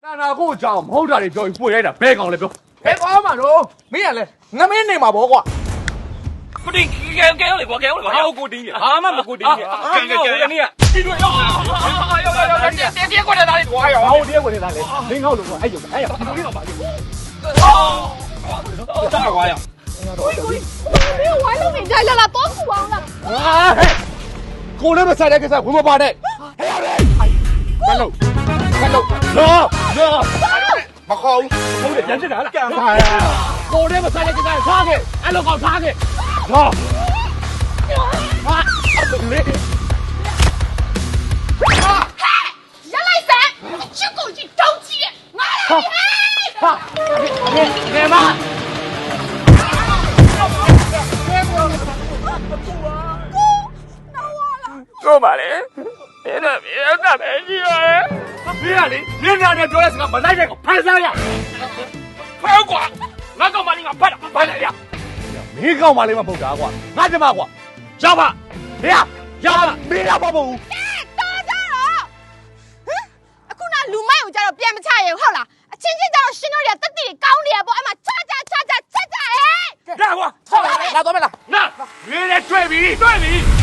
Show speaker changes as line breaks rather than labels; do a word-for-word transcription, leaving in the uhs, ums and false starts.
那个讲好大的教育不来的，别讲了，不。
别讲嘛喽，没人嘞，我没你嘛不过。
固定，给给我来，我给我来，我固定的，啊嘛不固定的，给给给你，记住要要要要要，跌跌跌过来哪里多呀？
好跌过来哪里？零号路过，哎呦哎呀，你都把你。
哦，啥瓜呀？
喂喂，没有玩都没在了啦，多苦啊了。
啊嘿，过来不才来个啥？我们把的。哎呀嘞，看喽，看喽，热热。
mà không
không để nhấn cái đó là phải cô đấy mà sai cái cái khác kì anh lo còn khác kì rồi à đừng lên
人来噻，去狗去着急，我来
哈nghe nghe mà
哥嘛嘞，别的别的没劲了。
别啊你，你两天做的是个没来这个拍啥呀？
拍瓜，那个嘛你个拍了拍了呀？
你搞嘛你嘛不干过，俺怎么过？小吧，呀呀，你俩不不？
打架了。嗯，ခုနလူမိုက်ကိုကြတော့ပြန်မချရဘူးဟုတ်လားအချင်းချင်းကြတော့ရှင်းတော့ရတက်တီကောင်းနေရပေါ့အဲ့မှာချကြချကြချက်ကြဟဲ့
让我操！
拿多没了？
那，你来对比对比。